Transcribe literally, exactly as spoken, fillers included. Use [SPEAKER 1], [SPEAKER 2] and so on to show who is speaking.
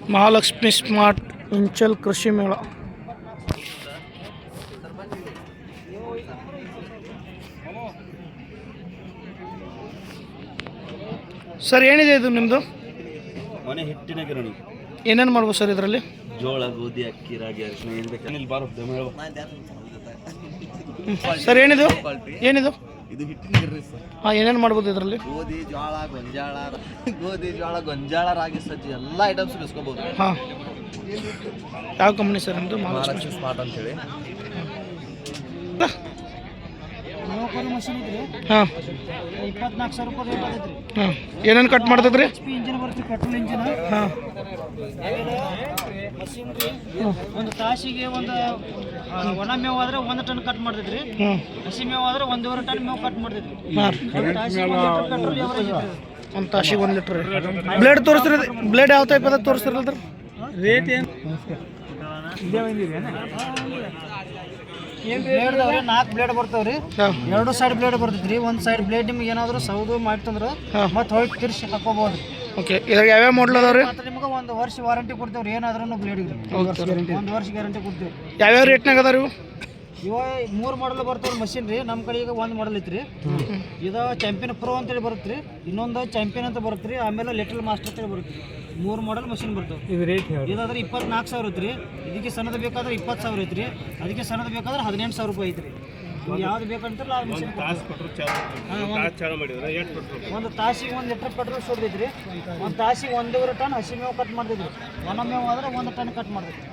[SPEAKER 1] Mahalakshmi smart ಇಂಚಲ್ ಕೃಷಿ ಮೇಳ. Sir ಏನಿದೆ ಇದು ನಿಮ್ಮದು?
[SPEAKER 2] ಮನೆ ಹಿಟ್ಟಿನ ಗಿರಣಿ.
[SPEAKER 1] ಏನೇನು ಮಾಡ್ಬೋದು ಸರ್ ಇದರಲ್ಲಿ?
[SPEAKER 2] ಜೋಳ, ಗೋಧಿ, ಅಕ್ಕಿ, ರಾಗಿ, ಅರಿಶಿನ ಏನು ಬೇಕು ಬಾರೋ.
[SPEAKER 1] ಸರ್ ಏನಿದು ಏನಿದು
[SPEAKER 2] ಇದು ಹಿಟ್ಟಿನ ಗಿರಣಿ ಸರ್.
[SPEAKER 1] ಹಾಂ, ಏನೇನು ಮಾಡ್ಬೋದು ಇದರಲ್ಲಿ?
[SPEAKER 2] ಗೋಧಿ, ಜೋಳ, ಗೊಂಜಾಳ, ಗೋಧಿ, ಜೋಳ, ಗೊಂಜಾಳ, ರಾಗಿ, ಸಜ್ಜಿ ಎಲ್ಲ ಐಟಮ್ಸ್ ಬೆಸ್ಕೋಬಹುದು.
[SPEAKER 1] ಹಾಂ, ಯಾವ ಕಂಪ್ನಿ ಸರ್ ನಿಮ್ಮದು?
[SPEAKER 2] ಮಹಾಲಕ್ಷ್ಮಿ ಸ್ಮಾರ್ಟ್ ಅಂತೇಳಿ.
[SPEAKER 3] ಮಷೀನ್ ಇದ್ರಿ
[SPEAKER 1] ಹಾಂ
[SPEAKER 3] ಇಪ್ಪತ್ನಾಲ್ಕು ಸಾವಿರ ರೂಪಾಯಿ ರೇಟ್ ಆಗೈತ್ರಿ.
[SPEAKER 1] ಹಾಂ, ಏನೇನು ಕಟ್ ಮಾಡ್ತದ್ರಿ?
[SPEAKER 3] ಎಚ್ ಪಿ ಇಂಜಿನ್ ಬರುತ್ತೆ, ಪೆಟ್ರೋಲ್ ಇಂಜಿನ್.
[SPEAKER 1] ಹಾಂ,
[SPEAKER 3] ಮಷೀನ್ ರೀ ಒಂದು ತಾಸಿಗೆ ಒಂದು ಒಣ ಮೇವು ಆದ್ರೆ ಒಂದು ಟನ್ ಕಟ್ ಮಾಡ್ತೈತ್ರಿ.
[SPEAKER 1] ಹ್ಞೂ,
[SPEAKER 3] ಹಸಿ ಮೇವು ಆದ್ರೆ ಒಂದೂವರೆ ಟನ್ ಮೇವು ಕಟ್ ಮಾಡ್ತೈತ್ರಿ.
[SPEAKER 1] ಹಾಂ,
[SPEAKER 3] ಒಂದು ತಾಸಿಗೆ ಒಂದು ಲೀಟರ್ ಪೆಟ್ರೋಲ್ ಎವರೇಜ್ ಐತ್ರಿ.
[SPEAKER 1] ಒಂದು ತಾಸಿಗೆ ಒಂದು ಲೀಟ್ರ್. ಬ್ಲೇಡ್ ತೋರಿಸ್ರಿ, ಬ್ಲೇಡ್ ಯಾವ ಟೈಪ್ ಅದ ತೋರಿಸ್ತಿರಲ್ರಿ?
[SPEAKER 3] ರೇಟ್ ಏನು ಬ್ಲೇಡ್ದವ್ರಿ ನಾಲ್ಕು ಬ್ಲೇಡ್ ಬರ್ತಾವ್ರಿ.
[SPEAKER 1] ಹಾಂ,
[SPEAKER 3] ಎರಡು ಸೈಡ್ ಬ್ಲೇಡ್ ಬರ್ತೈತ್ರಿ. ಒಂದು ಸೈಡ್ ಬ್ಲೇಡ್ ನಿಮ್ಗೆ ಏನಾದ್ರು ಸೌದು ಮಾಡ್ತಂದ್ರೆ
[SPEAKER 1] ಹಾಂ,
[SPEAKER 3] ಮತ್ತೆ ಹೊಯ್ತು ತಿರ್ಸಿ ಹಾಕೋಬಹುದು.
[SPEAKER 1] ಓಕೆ. ಇದ್ರಾಗ ಯಾವ್ಯಾವ ಮಾಡಲ್ ಅದಾವ್ರಿ?
[SPEAKER 3] ಮತ್ತೆ ನಿಮ್ಗೆ ಒಂದು ವರ್ಷ ವಾರಂಟಿ ಕೊಡ್ತೇವ್ರಿ. ಏನಾದ್ರೂ ಬ್ಲೇಡ್ಗೆ ಒಂದು ವರ್ಷ ಗ್ಯಾರಂಟಿ ಕೊಡ್ತೇವೆ.
[SPEAKER 1] ಯಾವ್ಯಾವ ರೇಟ್ನಾಗ ಅದಾರ ಇವು?
[SPEAKER 3] ಇವ ಮೂರು ಮಾಡಲ್ ಬರ್ತಾವ್ರಿ ಮಷಿನ್ ರೀ. ನಮ್ಮ ಕಡೆ ಈಗ ಒಂದು ಮಾಡಲ್ ಐತ್ರಿ. ಇದು ಚಾಂಪಿಯನ್ ಪ್ರೋ ಅಂತೇಳಿ ಬರುತ್ತೆ ರೀ. ಇನ್ನೊಂದು ಚಾಂಪಿಯನ್ ಅಂತ ಬರುತ್ತೆ ರೀ. ಆಮೇಲೆ ಲಿಟಲ್ ಮಾಸ್ಟರ್ ಅಂತೇಳಿ ಬರುತ್ತೆ. ಮೂರು ಮಾಡಲ್ ಮಷಿನ್ ಬರ್ತಾವೆ. ಇದು ರೇಟ್ ಇದಾದ್ರೆ ಇಪ್ಪತ್ನಾಲ್ಕು ಸಾವಿರ ಐತ್ರಿ. ಇದಕ್ಕೆ ಸಣ್ಣದು ಬೇಕಾದ್ರೆ ಇಪ್ಪತ್ತು ಸಾವಿರ ಐತ್ರಿ. ಅದಕ್ಕೆ ಸಣ್ಣದು ಬೇಕಾದ್ರೆ ಹದಿನೆಂಟು ಸಾವಿರ ರೂಪಾಯಿ ಐತ್ರಿ. ಯಾವ್ದು ಬೇಕಂತಾರಲ್ಲ ಆ ಮಷಿನ್. ಒಂದು ತಾಸಿಗೆ ಒಂದು ಲೀಟರ್ ಪೆಟ್ರೋಲ್ ಸುಡ್ತೈತ್ರಿ. ಒಂದು ತಾಸಿಗೆ ಒಂದೂವರೆ ಟನ್ ಹಸಿ ಮೇವು ಕಟ್ ಮಾಡ್ತಿದ್ರಿ. ಒಣ ಮೇವು ಆದ್ರೆ ಒಂದು ಟನ್ ಕಟ್ ಮಾಡ್ತೈತಿ.